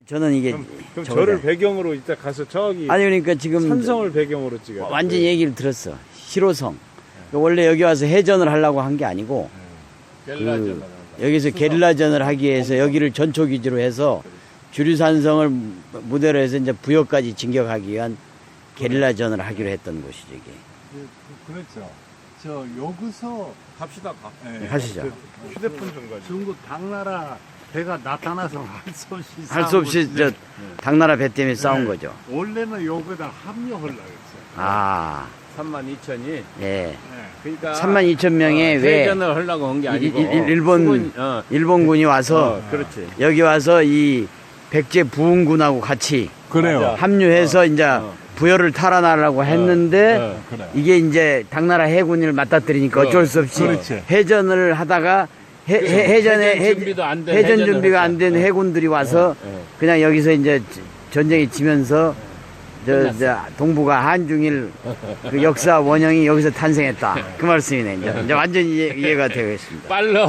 저는 이게 그럼 저거다. 저를 배경으로 이따 가서 저기 아니 그러니까 지금 산성을 배경으로 찍어요. 완전 얘기를 들었어. 실호성. 원래 여기 와서 해전을 하려고 한 게 아니고 여기서 게릴라전을 하기 위해서 여기를 전초 기지로 해서 주류산성을 무대로 해서 이제 부여까지 진격하기 위한 게릴라전을 하기로 했던 곳이죠 이게. 그렇죠. 저 여기서 갑시다. 예, 가시죠. 휴대폰 좀 가지고. 중국 당나라 배가 나타나서 할 수 없이 저 당나라 배 때문에 싸운 거죠. 원래는 여기다 합류하려고 했어요. 아, 32,000이. 예. 그러니까 32,000명의 왜 회전을 하려고 한 게 아니고 일본군이 와서 그렇지. 여기 와서 이 백제 부흥군하고 같이 그래요. 합류해서 이제 부여를 탈환하려고 했는데 그래. 이게 이제 당나라 해군을 맞닥뜨리니까 어쩔 수 없이 그렇지. 회전을 하다가 해전 준비가 안 된 해군들이 와서 그냥 여기서 이제 전쟁이 지면서 저 동북아 한중일 그 역사 원형이 여기서 탄생했다 그 말씀이네. 이제 완전히 이해가 되고 있습니다. 빨라.